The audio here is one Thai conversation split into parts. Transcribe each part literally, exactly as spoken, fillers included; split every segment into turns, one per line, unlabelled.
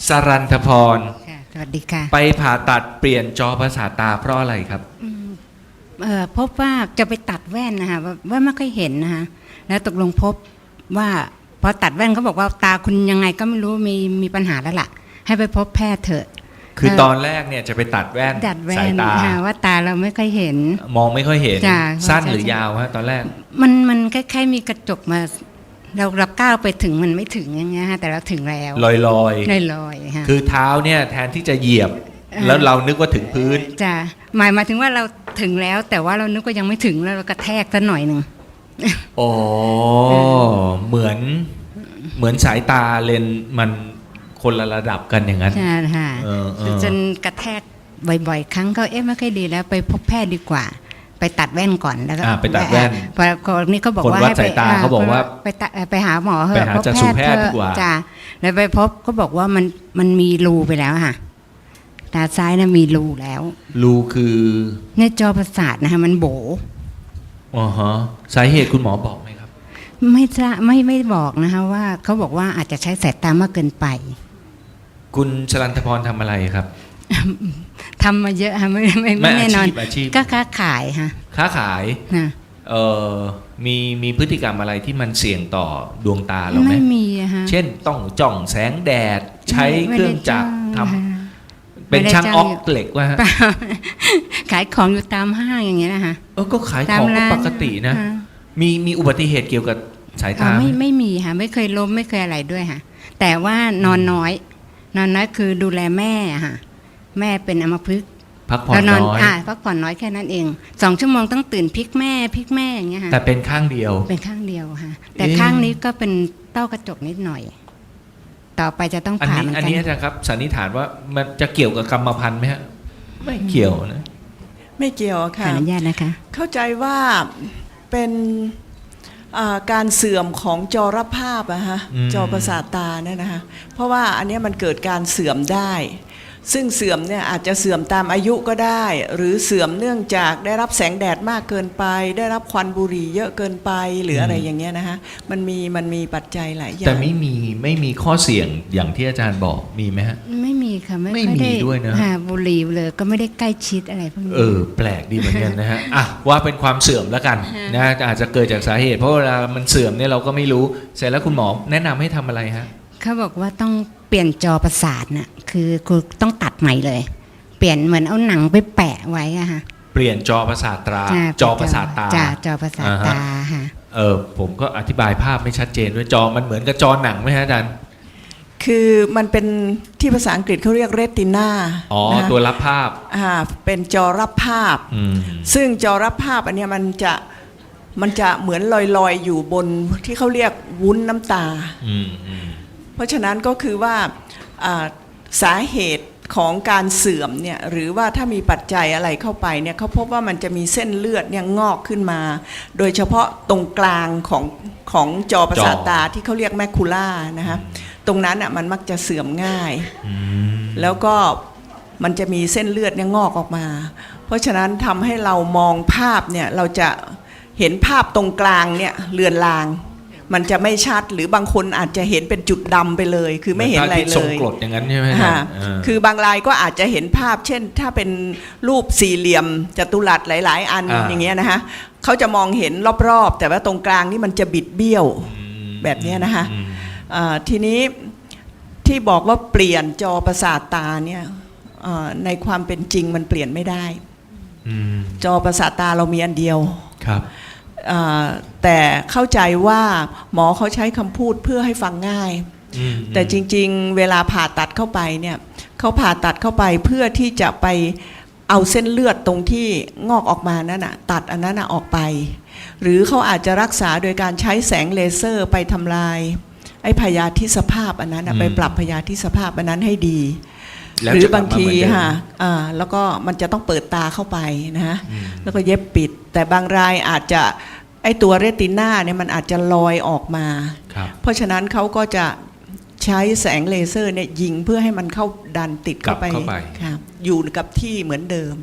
สรันทพร
ค่ะสวัสดีค่ะ
ไปผ่าตัดเปลี่ยนจอประสาทตาเพราะอะไรครับ
อืมเอ่อพบว่าจะไปตัดแว่นนะคะว่าว่าไม่ค่อยเห็นนะคะแล้วตกลงพบว่าพอตัดแว่นเขาบอกว่าตาคุณยังไงก็ไม่รู้มีมีปัญหาแล้วล่ะให้ไปพบแพทย์เถอะ
คือตอนแรกเนี่ยจะไปตัดแว่น
ตัดแว่
สาย
น
ตา
ค่ะว่าตาเราไม่ค่อยเห็น
มองไม่ค่อยเห็น
จ้ะ
สั้นหรือยาวฮะตอนแรก
มันมันคล้ายๆมีกระจกมาเราเราก้าวไปถึงมันไม่ถึงอย่างเงี้ยฮะแต่เราถึงแล้ว
ลอยลอย
ลอยลอยๆค่ะ
คือเท้าเนี่ยแทนที่จะเหยียบแล้วเรานึกว่าถึงพื้น
จ้ะหมายมาถึงว่าเราถึงแล้วแต่ว่าเรานึกว่ายังไม่ถึงแล้วเรากระแทกซะหน่อยหนึ่ง
โอ้เหมือนเหมือนสายตาเลนมันคนละระดับกันอย่างนั้น
ใช่ค่ะจนกระแทกบ่อยๆครั้งก็เอ๊ะไม่ค่อยดีแล้วไปพบแพทย์ดีกว่าไปตัดแว่นก่อนแล้วก็
ไปตัดแว่น
พอคนนี้เขาบอกว่าให้
ไปเขาบอกว่า
ไปไปหาหมอเหอะ
ไปหาจักษุแพทย์ดีกว่า
จ้ะแล้วไปพบเขาบอกว่ามันมันมีรูไปแล้วค่ะตาซ้ายน่ะมีรูแล้ว
รูคือ
ในจอประสาทนะคะมันโบ
อ๋อฮะสาเหตุคุณหมอบอกไหมครับ
ไม่จะไม่ไม่บอกนะคะว่าเขาบอกว่าอาจจะใช้สายตามากเกินไป
คุณชลันทพรทำอะไรครับ
ทำมาเยอะค่ะไม่ไม่ไม่แน่นอนก็ค้าขายค่ะ
ค้าขายเออมีมีพฤติกรรมอะไรที่มันเสี่ยงต่อดวงตาเราไหม
ไม่มีอะค่ะ
เช่นต้องจ้องแสงแดดใช้เครื่องจักรทำเป็นช่างออกเหล็กว่า
ขายของอยู่ตามห้างอย่างเงี้ยนะคะ
เออก็ขายของปกตินะมีมีอุบัติเหตุเกี่ยวกับสายตา
ไม่ไม่มีค่ะไม่เคยล้มไม่เคยอะไรด้วยค่ะแต่ว่านอนน้อยนอนน้อยคือดูแลแม่ค่ะแม่เป็นอัมพฤกษ์
พักผ่อนน้อย
อ่าพักผ่อนน้อยแค่นั้นเองสองชั่วโมงต้องตื่นพลิกแม่พลิกแม่อย่างเงี้ยค่ะ
แต่เป็นข้างเดียว
เป็นข้างเดียวค่ะแต่ข้างนี้ก็เป็นเต้ากระจกนิดหน่อยต่อไปจะต้องผ่ามันกัน
อันนี้อาจารย์ครับสันนิษฐานว่ามันจะเกี่ยวกับกรรมพันธุ์ไหมฮะไม่เกี่ยวนะ
ไม่เกี่ยวค่ะ
อนุญาตนะคะ
เข้าใจว่าเป็นการเสื่อมของจอรับภาพอะฮะจอประสาทตาเนี่ยนะคะเพราะว่าอันนี้มันเกิดการเสื่อมได้ซึ่งเสื่อมเนี่ยอาจจะเสื่อมตามอายุก็ได้หรือเสื่อมเนื่องจากได้รับแสงแดดมากเกินไปได้รับควันบุหรี่เยอะเกินไปหรืออะไรอย่างเงี้ยนะคะมันมีมันมีปัจจัยหลายอย่าง
แต่ไม่มีไม่มีข้อเสี่ยงอย่างที่อาจารย์บอกมีไหมฮะ
ไม่มีค่ะไม่
ไม่มีด้วยนะ
บุหรี่เลยก็ไม่ได้ใกล้ชิดอะไรพวกนี้
เออแปลกดีเหมือนกันนะฮะอ่ะว่าเป็นความเสื่อมแล้วกันนะอาจจะเกิดจากสาเหตุเพราะเวลามันเสื่อมเนี่ยเราก็ไม่รู้เสร็จแล้วคุณหมอแนะนำให้ทำอะไรฮะ
เขาบอกว่าต้องเปลี่ยนจอประสาทน่ะคือคือต้องตัดใหม่เลยเปลี่ยนเหมือนเอาหนังไปแปะไว้อะค่ะ
เปลี่ยนจอประสาทตาจอประสาทตา
จ้าจอประสาทตาค่ะ
เออผมก็อธิบายภาพไม่ชัดเจนด้วยจอมันเหมือนกับจอหนังไหมฮะอาจารย์
คือมันเป็นที่ภาษาอังกฤษเขาเรียกเรตินา
อ๋อตัวรับภาพ
อ่าเป็นจอรับภาพซึ่งจอรับภาพอันนี้มันจะมันจะเหมือนลอยๆอยู่บนที่เขาเรียกวุ้นน้ำตาเพราะฉะนั้นก็คือว่าสาเหตุของการเสื่อมเนี่ยหรือว่าถ้ามีปัจจัยอะไรเข้าไปเนี่ยเขาพบว่ามันจะมีเส้นเลือดเนี่ยงอกขึ้นมาโดยเฉพาะตรงกลางของของจอประสาทตาที่เขาเรียกแมคคูล่านะคะตรงนั้นอ่ะมันมักจะเสื่อมง่ายแล้วก็มันจะมีเส้นเลือดเนี่ยงอกออกมาเพราะฉะนั้นทำให้เรามองภาพเนี่ยเราจะเห็นภาพตรงกลางเนี่ยเลือนลางมันจะไม่ชัดหรือบางคนอาจจะเห็นเป็นจุดดำไปเลยคือไม่เห็นอะไรเลย
ส่งกรดอย่างนั้นใช่ไหม
ฮะคือบางรายก็อาจจะเห็นภาพเช่นถ้าเป็นรูปสี่เหลี่ยมจัตุรัสหลายๆอันอย่างเงี้ยนะคะเขาจะมองเห็นรอบๆแต่ว่าตรงกลางนี่มันจะบิดเบี้ยวแบบนี้นะคะทีนี้ที่บอกว่าเปลี่ยนจอประสาทตาเนี่ยในความเป็นจริงมันเปลี่ยนไม่ได้จอประสาทตาเรามีอันเดียว
ครับ
แต่เข้าใจว่าหมอเขาใช้คำพูดเพื่อให้ฟังง่ายแต่จริงๆเวลาผ่าตัดเข้าไปเนี่ยเขาผ่าตัดเข้าไปเพื่อที่จะไปเอาเส้นเลือดตรงที่งอกออกมานั่นน่ะตัดอันนั้นน่ะออกไปหรือเขาอาจจะรักษาโดยการใช้แสงเลเซอร์ไปทำลายไอ้พยาธิสภาพอันนั้นไปปรับพยาธิสภาพอันนั้นให้ดีหรือบางทีค่ะแล้วก็มันจะต้องเปิดตาเข้าไปนะฮะแล้วก็เย็บปิดแต่บางรายอาจจะไอตัวเรติน่าเนี่ยมันอาจจะลอยออกมาเพราะฉะนั้นเขาก็จะใช้แสงเลเซอร์เนี่ยยิงเพื่อให้มันเข้าดันติดเข้าไปค่ะอยู่กับที่เหมือนเดิม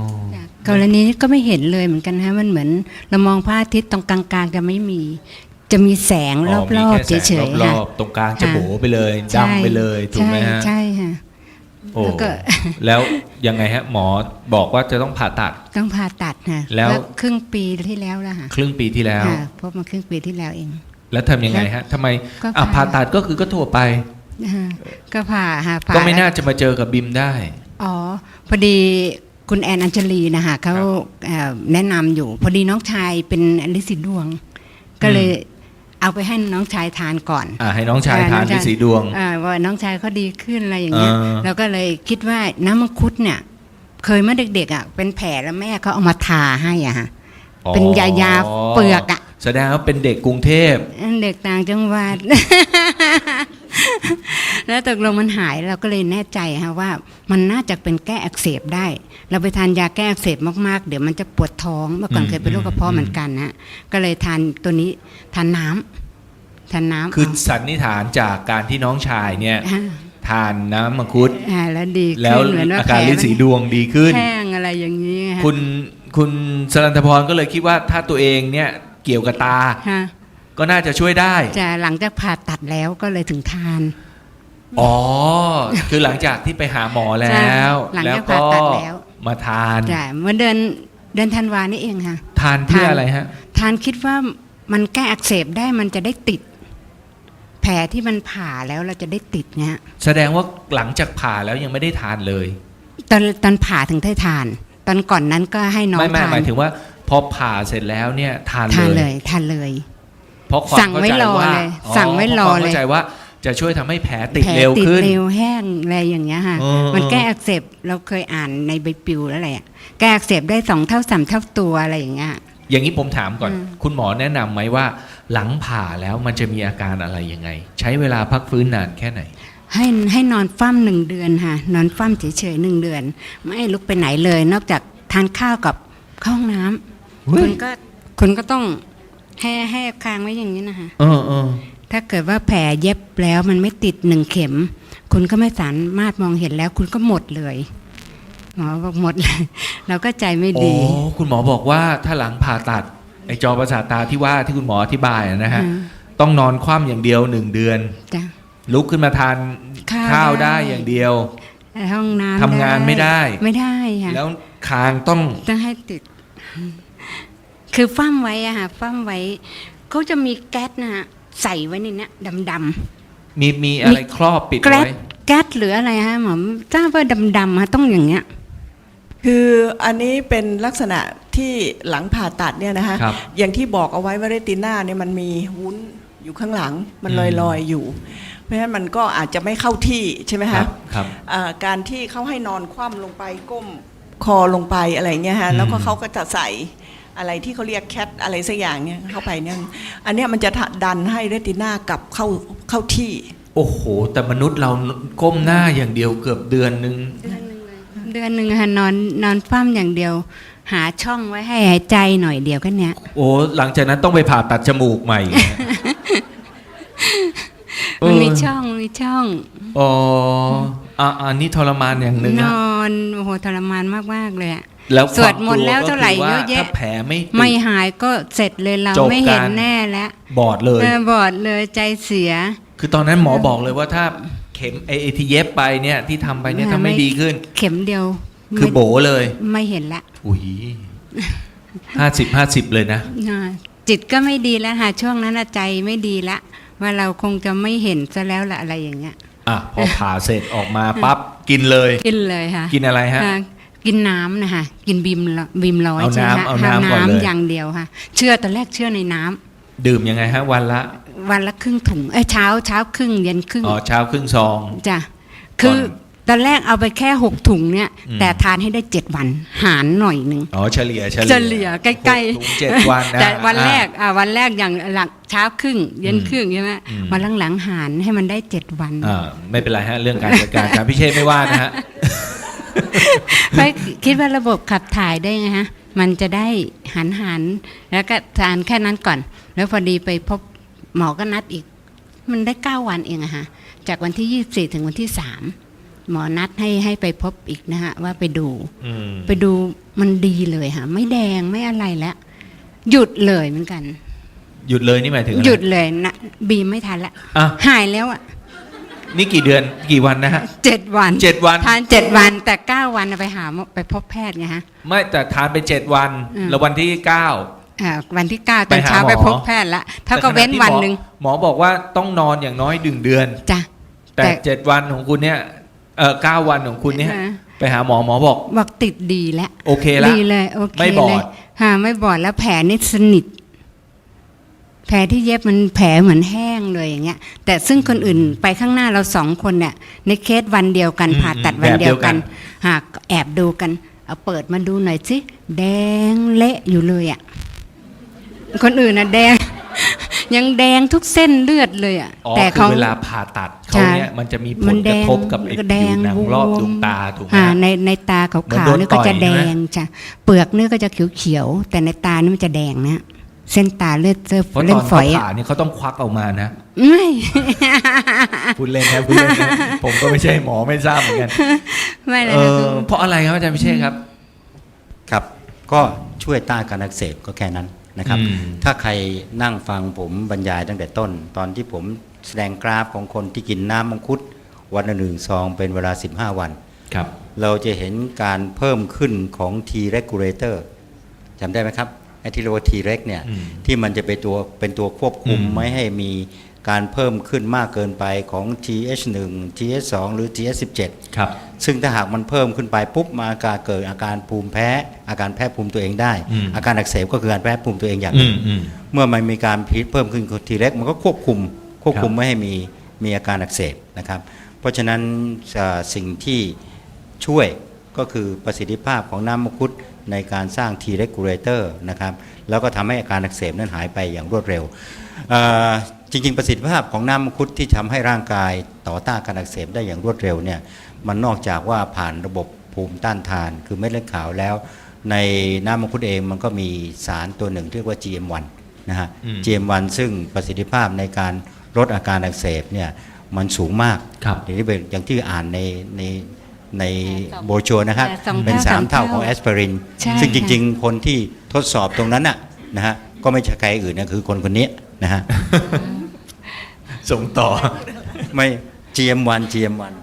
กรณีนี้ก็ไม่เห็นเลยเหมือนกันฮะมันเหมือนเรามองพระอาทิตย์ตรงกลางๆจะไม่มีจะมีแสงร
อ๋
อ
อมี
บ
แค่
ๆ
แสง
เฉยๆ
ร
ค่ะ
อบๆตรงกลางจะ
ค่ะ
โบไปเลย
ใช่
ดำไปเลยถูกไหมฮะ
ใช่ค่ะ
โอ้
แล้วก็
แล้วยังไงฮะหมอบอกว่าจะต้องผ่าตัด
ต้องผ่าตัดค่ะ
แล้ว
ครึ่งปีที่แล้วแล้วค่ะ
ครึ่งปีที่แล้ว
ค่ะพบมาครึ่งปีที่แล้วเอง
แล้วทำยังไงฮะทำไม
ก็
อ่ะ
ผ่า
ผ่าตัดก็คือก็ทั่วไป
นะคะก็ผ่าค่ะผ่า
ก็ไม่
แล้ว
น่าจะมาเจอกับบิมได้
อ๋อพอดีคุณแอนอัญชลีนะคะเขาเอ่อแนะนำอยู่ พอดีน้องชายเป็นลินสีดวง ก็เลยเอาไปให้น้องชายทานก่อน
อ่าให้น้องชายทานที่สีดวง
อ่าว่าน้องชายเขาดีขึ้นอะไรอย่างเงี้ย
อ่า
เราก็เลยคิดว่าน้ำมังคุดเนี่ย เคยเมื่อเด็กๆอ่ะเป็นแผลแล้วแม่เขาเอามาทาให้อ่ะฮะ เป็นยายาเปลือกอะ
แสดงว่าเป็นเด็กกรุงเทพ
เด็กต่างจังหวัด แล้วตกลงมันหายเราก็เลยแน่ใจฮะว่ามันน่าจะเป็นแก้อักเสบได้ เราไปทานยาแก้อักเสบมากๆ เดี๋ยวมันจะปวดท้องเมื่อก่อนเคยเป็นโรคกระเพาะเหมือนกันนะก็เลยทานตัวนี้ทานน้ำทานน้ำ
คือสันนิษฐานจากการที่น้องชายเนี่ย
อ่า
ทานน้ำมังคุด
อ่าแล้วดี
แล้ว
ขึ้นเหมือนว่า
อาการ
แผล
ลิ้นสีดวงดีขึ้น
แห้งอะไรอย่างนี้ฮะ
คุณคุณสรันทพรก็เลยคิดว่าถ้าตัวเองเนี่ยเกี่ยวกับตา
ฮะ
ก็น่าจะช่วยได้
จะหลังจากผ่าตัดแล้วก็เลยถึงทาน
อ๋อ คือหลังจากที่ไปหาหมอแล้ว
หลัง
แล้ว
จาก
ก็
ผ่าตัดแล้ว
มาทาน
จ้ะเมื่อเดือนเดือนธันวานี่เองค่ะ
ทานเพื่อ
ทาน
อะไรฮะ
ทานคิดว่ามันแก้อักเสบได้มันจะได้ติด แผลที่มันผ่าแล้วเราจะได้ติดเนี่ย
แสดงว่าหลังจากผ่าแล้วยังไม่ได้ทานเลย
ตอนตอนผ่าถึงได้ทาน ตอนก่อนนั้นก็ให้น้อง
ไม่ไม่
ทาน
หมายถึงว่าพอผ่าเสร็จแล้วเนี่ยทาน
ทาน
เล
เลย ยทานเลย
เพราะความ
สั่ง
เข้า
ไว้
ใจ
รอ
ว่า
เลยสั่งไว้รอ
พาะความ
เลย
เข้าใจว่าจะช่วยทำให้แผลติด
แผล
เร็ว
ติด
ขึ้น
เร็วแห้งอะไรอย่างเงี้ยค่ะ
เออ
มัน
เออ
แก้อักเสบเราเคยอ่านในใบปลิวแล้วแหละแก้อักเสบได้สองเท่าสามเท่าตัวอะไรอย่างเงี้ย
อย่างนี้ผมถามก่อน
อืม
คุณหมอแนะนำไหมว่า หลังผ่าแล้วมันจะมีอาการอะไรยังไง ใช้เวลาพักฟื้นนานแค่ไหน
ให้ให้นอนฟั่มหนึ่งเดือนค่ะ นอนฟั่มเฉยๆหนึ่งเดือน ไม่ให้ลุกไปไหนเลย นอกจากทานข้าวกับเข้าห้องน้ำ
เฮ้ย
คุณก็คุณก็ต้องให้ให้คางไว้อย่างนี้นะคะ
เออเออ
ถ้าเกิดว่าแผลเย็บแล้วมันไม่ติดหนึ่งเข็ม คุณก็ไม่สามารถมองเห็นแล้ว คุณก็หมดเลยหมอบอกหมดเลย เราก็ใจไม่
โอ้
ดี
คุณหมอบอกว่าถ้าหลังผ่าตัดไอจอประสาทตาที่ว่าที่คุณหมออธิบายอะนะฮะ
อ่า
ต้องนอนคว่ำอย่างเดียวหนึ่งเดือน
จ้ะ
ลุกขึ้นมาทาน
ข้าว
ข้าวได้
ได้
อย่างเดียว
ห้องน้ำ
ทำงานไม่ได้
ไม่ได้ค่ะ
แล้วคางต้อง
ต้องให้ติด คือฟั่มไว้อะค่ะฟั่มไว้เขาจะมีแก๊สนะฮะใส่ไว้ในเนี้ยดำ
มีมีอะไรครอบปิด
ๆแก๊ส
ไว้
แก๊สหรืออะไรฮะหมอทราบว่าดำๆฮะต้องอย่างเงี้ย
คืออันนี้เป็นลักษณะที่หลังผ่าตัดเนี่ยนะคะ
ครับ
อย่างที่บอกเอาไว้ว่าเรตินาเนี่ยมันมีวุ้นอยู่ข้างหลังมันลอยลอยๆอยู่ เพราะฉะนั้นมันก็อาจจะไม่เข้าที่ใช่ไหม
ครั
คะ
บครับ
อ่าการที่เขาให้นอนคว่ำลงไปก้มคอลงไปอะไรเงี้ยฮะ
อืม
แล้วก็เขาก็จะใส่อะไรที่เขาเรียกแคทอะไรสักอย่างเนี่ยเข้าไปเนี่ยอันเนี้ยมันจะดันให้เรตินากลับเข้าเข้าที่
โอ้โห แต่มนุษย์เราก้มหน้าอย่างเดียวเกือบเดือนนึง
เดือนหนึ่งค่ะนอนนอนฟั่มอย่างเดียว หาช่องไว้ให้หายใจหน่อยเดียวก็เนี้ย
โอ้หลังจากนั้นต้องไปผ่าตัดจมูกใหม่นะ
มันมี
เออ
ช่องมีช่อง
อ๋ออ่ะอันนี้ทรมานอย่างหนึ่ง
น
นะ
อนโอ้โหทรมานมากๆเลยอะ
แล้ว
สวดมนต์แล้วเท่าไหร่
ควมก
เยอะแยะ
ถ้าแผลไม่ติด
ไม่หายก็เสร็จเลยเรา
จบ
ไม่เห็น
การ
แน่แล้ว
บอดเลย
เออบอดเลยใจเสีย
คือตอนนั้นหมอบอกเลยว่าถ้าเข็มไอไอ้ที่เย็บไปเนี่ยที่ทำไปเนี่ย
ไม่
ถ้าไม่ดีขึ้น
เข็มเดียว
คือโบเลย
ไม่เห็นละ
อุ้ยห้าสิบห้าสิบเลยนะ
อ่าจิตก็ไม่ดีแล้วค่ะช่วงนั้นน่ะใจไม่ดีละว่าเราคงจะไม่เห็นซะแล้วละอะไรอย่างเงี้ย
อ่ะพอผ่าเสร็จออกมาปั๊บกินเลย
กินเลยค่ะ
กินอะไรฮะ
อ่ากินน้ำนะคะกินบีมละบีมร้อย
เอา
ใช่ไหม
น้ำ
คะ
เอาน้ำก่อนเลย
อย่างเดียวค่ะ เชื่อตอนแรกเชื่อในน้ำ
ดื่มยังไงฮะ วันละ
วันละครึ่งถุงเอ้ยเช้าเช้าครึ่งเย็นครึ่ง
อ๋อเช้าครึ่งซอง
จ้ะคือ
ก่อน
ตอนแรกเอาไปแค่หกถุงเนี่ย
อืม
แต่ทานให้ได้เจ็ดวันหารหน่อยหนึ่ง
อ๋อเฉลี่ยเฉลี่ย
เฉลี่ยใกล้
หกถุงเจ็ดวันนะ
แต่วัน
อ่ะ
แรกอ่าวันแรกอย่างหลักเช้าครึ่ง เย็นครึ่งใช่ไหม
อืม
วันหลังๆหารให้มันได้เจ็ดวัน
อ่าไม่เป็นไรฮะ เรื่องการจัดการการพิเชษไม่ว่านะฮะ
เพราะคิดว่าระบบขับถ่ายได้ไงฮะ มันจะได้หันหันแล้วก็ทานแค่นั้นก่อน แล้วพอดีไปพบหมอก็นัดอีก มันได้เก้าวันเองอะฮะ จากวันที่ยี่สิบสี่ถึงวันที่สามหมอนัดให้ให้ไปพบอีกนะฮะ ว่าไปดู
อืม
ไปดูมันดีเลยค่ะ ไม่แดงไม่อะไรแล้ว หยุดเลยเหมือนกัน
หยุดเลยนี่หมายถึงอะไร
หยุดเลยนะบีมไม่ทันละ
อ่ะ
หายแล้วอ่ะ
นี่กี่เดือนกี่วันนะฮะ
เจ็ดวัน
เจ็ดวัน
ทานเจ็ดวันแต่เก้าวันไปหาหมอไปพบแพทย์ไงฮะ
ไม่แต่ทานไปเจ็ดวัน
อืม
แล้ววันที่เก้า
อ่าวันที่เก้าต
ไป
อน
หา
เช้า
หมอ
ไปพบแพทย์ละเท่ากับเว้น
แต่ขณะที่
วันหนึ่ง
มอหมอบอกว่าต้องนอนอย่างน้อยหนึ่งเดือน
จ้ะ
แต่
แต่
เจ็ดวันของคุณเนี่ยเออเก้าวันของคุณเนี่ย
อ่า
ไปหาหมอหมอบอก
บอกติดดีแล้ว
โอเคละ
ดีเลยโอเค
ไม่บอด
เลยฮะไม่บอดแล้วแผลนี่สนิท แผลที่เย็บมันแผลเหมือนแห้งเลยอย่างเงี้ย แต่ซึ่งคนอื่นไปข้างหน้าเราสองคนเนี่ย ในเคสวันเดียวกัน
อืม
ผ่าตัดวัน
แบบเดี
เดี
ย
ยว ว
กั
กัน นหากแอบดูกัน เอาเปิดมาดูหน่อยสิแดงเละอยู่เลยอ่ะคนอื่นน่ะแดง ยังแดงทุกเส้นเลือดเลยอ่ะ
อ๋อ
แต่
คื
เขา
อเวลาผ่าตัดเขาเนี่ยมันจะมีผ
มั
ล
น
ก
แด
ระ
ง
ทบกับไอ้
แด
ผิว
ง
หนัง
บวม
รอบดวงตาถูกไหม
อ่า
ฮะ
ในในตาขา
เหมือน
ว
โด
ๆ
น
นี่ก็
ต่อย
จะแด
ใช่ไหม
งจ้ะเปลือกนี่ก็จะเขียวๆแต่ในตานี่มันจะแดงนะเส้นตาเลือดเจอ
เพราะต
เล่
อน
นฝ
เขา
อยอ่ะ
ผ่าเนี่ยเขาต้องควักออกมานะ
ไม่
พูดเล่นนะพูดเล่นนะผมก็ไม่ใช่หมอไม่ทราบเหมือนกัน
ไม่เลย
เอ
นะ
อ
คือ
เพราะอะไรครับอาจารย์พิเชษครับ
ครับก็ช่วยต้านการอักเสบก็แค่นั้นนะครับ
อืม
ถ้าใครนั่งฟังผมบรรยายตั้งแต่ต้น ตอนที่ผมแสดงกราฟของคนที่กินน้ำมังคุดวันละหนึ่งซองเป็นเวลาสิบห้าวัน
ครับ
เราจะเห็นการเพิ่มขึ้นของ T regulator จำได้ไหมครับไอ้ที่เรียกว่า T reg เนี่ย
อืม
ที่มันจะเป็นตัวเป็นตัวควบคุม
อืม
ไม่ให้มีการเพิ่มขึ้นมากเกินไปของ ที เอช หนึ่ง ที เอช สอง หรือ ที เอช สิบเจ็ด
ครับ
ซึ่งถ้าหากมันเพิ่มขึ้นไปปุ๊บมาอาการเกิดอาการภูมิแพ้ อาการแพ้ภูมิตัวเองได้
อืม
อาการอักเสบก็คือการแพ้ภูมิตัวเองอย่างห
อื
นึ่ง
มอืม
เมื่อมันมีการพิษเพิ่มขึ้นทีแรกมันก็ควบคุมควบคุม
ครับ
ไม่ให้มีมีอาการอักเสบนะครับ เพราะฉะนั้นอ่าสิ่งที่ช่วยก็คือประสิทธิภาพของน้ำมังคุดในการสร้าง T regulator นะครับแล้วก็ทำให้อาการอักเสบนั้นหายไปอย่างรวดเร็วอ่าจริงๆ ประสิทธิภาพของน้ำมังคุดที่ทำให้ร่างกายต่อต้านการอักเสบได้อย่างรวดเร็วเนี่ยมันนอกจากว่าผ่านระบบภูมิต้านทาน คือเม็ดเลือดขาวแล้ว ในน้ำมังคุดเองมันก็มีสารตัวหนึ่งที่เรียกว่า จี เอ็ม วัน นะฮะ
อืม
จี เอ็ม วัน ซึ่งประสิทธิภาพในการลดอาการอักเสบเนี่ยมันสูงมาก
ครับ
อย่างที่เป็นอย่างที่อ่านในในในโบรชัวร์นะครับ
สองเท่า
เป็นสาม
สาม
เท่า
เท่า
ของแอสไพริน
ใช่
ซึ่งจ
ค่ะ
ริงๆ คนที่ทดสอบตรงนั้นน่ะนะฮะก็ไม่ใช่ใครอื่นนะคือคนคนนี้นะฮะ
ส่งต่อ
ไม่ จี เอ็ม วัน จี เอ็ม วัน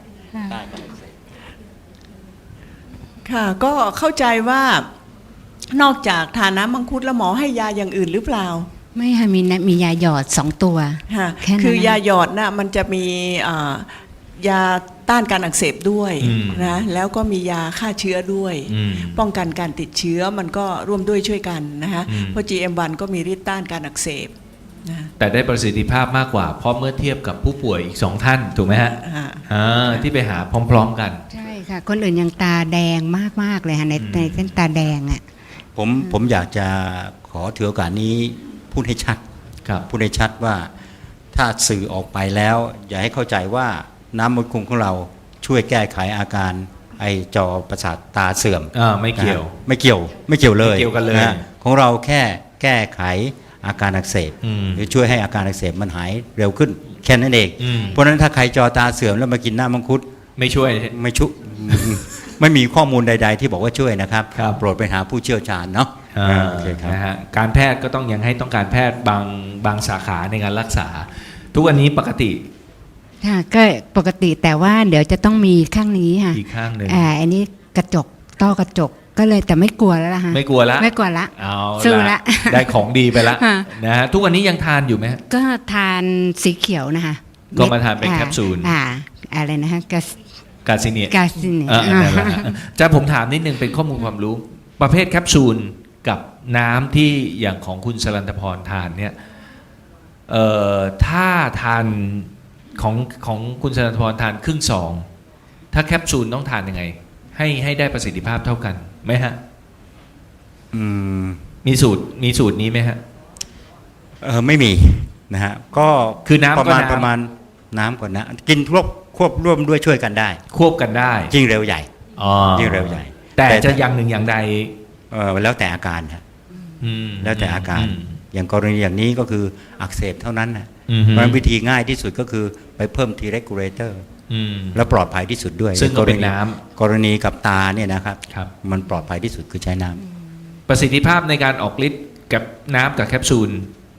ค่ะก็เข้าใจว่านอกจากทานน้ำมังคุดแล้วหมอให้ยาอย่างอื่นหรือเปล่า
ไม่ค่ะมีนะมียาหยอดสองตัว
ค่ะ
แค่นั้น
คือยา
นะ
หยอดน่ะมันจะมีอ่ายาต้านการอักเสบด้วย
อืม
นะแล้วก็มียาฆ่าเชื้อด้วย
อืม
ป้องกันการติดเชื้อมันก็ร่วมด้วยช่วยกันนะคะ
อืม
เพราะ จี เอ็ม วัน ก็มีฤทธิ์ต้านการอักเสบนะ
แต่ได้ประสิทธิภาพมากกว่า เพราะเมื่อเทียบกับผู้ป่วยอีกสองท่านถูกไหมฮะ
อ่า
อ่าที่ไปหาพร้อม ๆ กัน
ใช่ค่ะ คนอื่นยังตาแดงมากๆเลยค่ะใน
อืม
ในเส้นตาแดงอ่ะ
ผมผมอยากจะขอถือโอกาสนี้พูดให้ชัด
ครับ
พูดให้ชัดว่าถ้าสื่อออกไปแล้ว อย่าให้เข้าใจว่าน้ำมันคุงของเราช่วยแก้ไขอาการไอจอประสาทตาเสื่อม
อ่าไม่เกี่ยว
นะฮะไม่เกี่ยวไม่เกี่ยวเลย
ไม่เกี่ยวกันเลย
ะฮะของเราแค่แก้ไขอาการอักเสบ
อืม
หรือช่วยให้อาการอักเสบมันหายเร็วขึ้นแค่นั้นเอง
อืม
เพราะฉะนั้นถ้าใครจอตาเสื่อมแล้วมากินน้ำมังคุด
ไม่ช่วย
ไม่ชุ ไม่มีข้อมูลใด ๆ ที่บอกว่าช่วยนะครับ
ครับ
โปรดไปหาผู้เชี่ยวชาญเนาะ
อ่า
อ่าโอเคครับ
นะฮะการแพทย์ก็ต้องยังให้ต้องการแพทย์บางบางสาขาในการรักษา ทุกวันนี้ปกติ
ค่ะก็ปกติแต่ว่าเดี๋ยวจะต้องมีข้างนี้ค่ะ
อีกข้างหนึ่ง
อ่าอันนี้กระจกต้อกระจกก็เลยแต่ไม่กลัวแล้วล่ะฮะ
ไม่กลัวละ
ไม่กลัวละ
เอา
สู้ละ
ได้ของดีไปละ
ฮะ
นะฮะทุกวันนี้ยังทานอยู่ไหมฮะ
ก็ทานสีเขียวนะคะ
ก็มาทานเป็น
อ่
แคปซูล
อ่าอะไรนะฮะกา
กาซิเนีย
กาซิเนีย
อ่านั่นแหละฮะจะผมถามนิดนึงเป็นข้อมูลความรู้ ประเภทแคปซูลกับน้ำที่อย่างของคุณสรันตพรทานเนี่ยเอ่อถ้าทานของของคุณสรันตพรทานครึ่งซองถ้าแคปซูลต้องทานยังไง ให้ให้ได้ประสิทธิภาพเท่ากันไหมฮะ
อืม
มีสูตรมีสูตรนี้ไหมฮะ
เออไม่มีนะฮะก็
คือน้ำ
ประมาณ
ก็น้ำ
ประมาณน้ำก่อนนะกินควบควบร่วมด้วยช่วยกันได้
ควบกันได้
ยิ่งเร็วใหญ่
อ๋อ
ยิ่งเร็วใหญ่
แต่
แต่
จะอย่างหนึ่งอย่างใด
เออแล้วแต่อาการฮะ
อืม
แล้วแต่อาการ
ม
อย่างกรณีอย่างนี้ก็คืออักเสบเท่านั้นนะ
อืม
เพราะฉะนั้นวิธีง่ายที่สุดก็คือไปเพิ่ม T regulator
อืม
แล้วปลอดภัยที่สุดด้วย
ซึ่งก็เป็น
ณี
น้ำ
กรณีกับตาเนี่ยนะครับ
ครับ
มันปลอดภัยที่สุดคือใช้น้ำ
ประสิทธิภาพในการออกฤทธิ์กับน้ำกับแคปซูล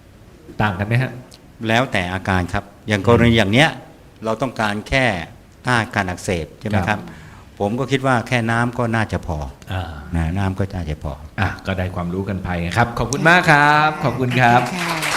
ต่างกันไหมฮะ
แล้วแต่อาการครับ อย่างกรณีอย่างเนี้ยเราต้องการแค่ต้านการอักเสบใช่ไหม
ค
ค
รั
รับ บ ผมก็คิดว่าแค่น้ำก็น่าจะพอ
อ่า
นะน้ำก็น่าจะพอ
อ่ะก็ได้ความรู้กันไปครับ ขอบคุณมากครับ ขอบคุณครับ
ค่ะ